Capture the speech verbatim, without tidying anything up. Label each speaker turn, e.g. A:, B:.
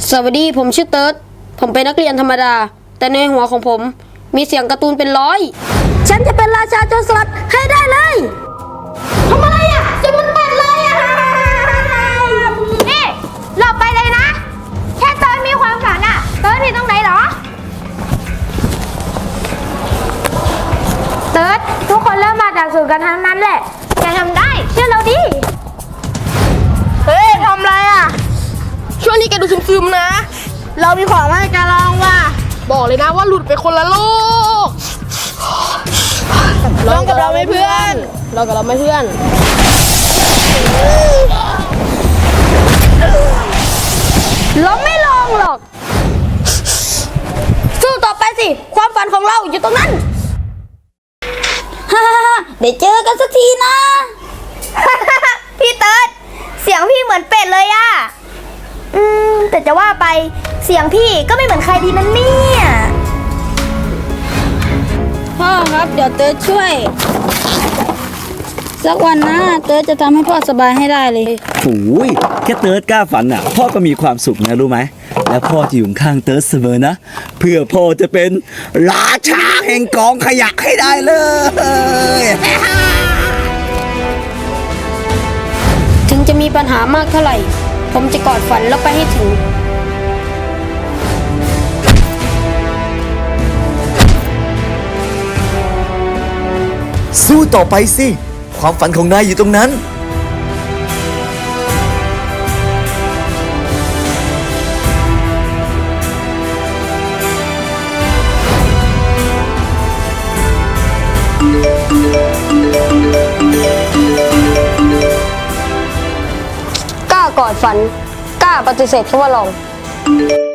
A: สวัสดีผมชื่อเติร์ดผมเป็นนักเรียนธรรมดาแต่ในหัวของผมมีเสียงการ์ตูนเป็นร้อยฉันจะเป็นราชาโจรสลัดให้ได้เลยทำอะไรอ่ะจะมันเป็ดเลยอ่ะ
B: นี่หลบไปเลยนะแค่เติร์ดมีความฝันอ่ะเติร์ดผิดตรงไหนเหรอเติร์ดทุกคนเริ่มมาจากศูนย์กันทั้งนั้นแหละแกทำได้เชื่อเราดิ
C: เฮ้ยทำไรอ่ะช่วงนี้แกดูซึมๆนะเรามีของมาให้แกลองว่ะบอกเลยนะว่าหลุดไปคนละโลกลองกับเราไหมเพื่อนลองกับเราไหมเพื่อน
A: เราไม่ลองหรอกสู้ต่อไปสิความฝันของเราอยู่ตรงนั้นฮ่าได้เจอกันสักทีนะ
B: พี่เติร์ดเสียงพี่เหมือนเป็ดเลยอะอืมแต่จะว่าไปเสียงพี่ก็ไม่เหมือนใครดีนั่นเนี่ย
A: พ่อครับเดี๋ยวเติร์ดช่วยสักวันนะเติร์ดจะทำให้พ่อสบายให้ได้เลย
D: โอ้ยแค่เติร์ดกล้าฝันอ่ะพ่อก็มีความสุขนะรู้ไหมแล้วพ่อจะอยู่ข้างเติร์ดเสมอนะเพื่อพ่อจะเป็นราชาแห่งกองขยะให้ได้เลย
A: ถึงจะมีปัญหามากเท่าไหร่ผมจะกอดฝันแล้วไปให้ถึง
D: สู้ต่อไปสิความฝันของนายอยู่ตรงนั้น
A: กล้ากอดฝันกล้าปฏิเสธคำว่าลอง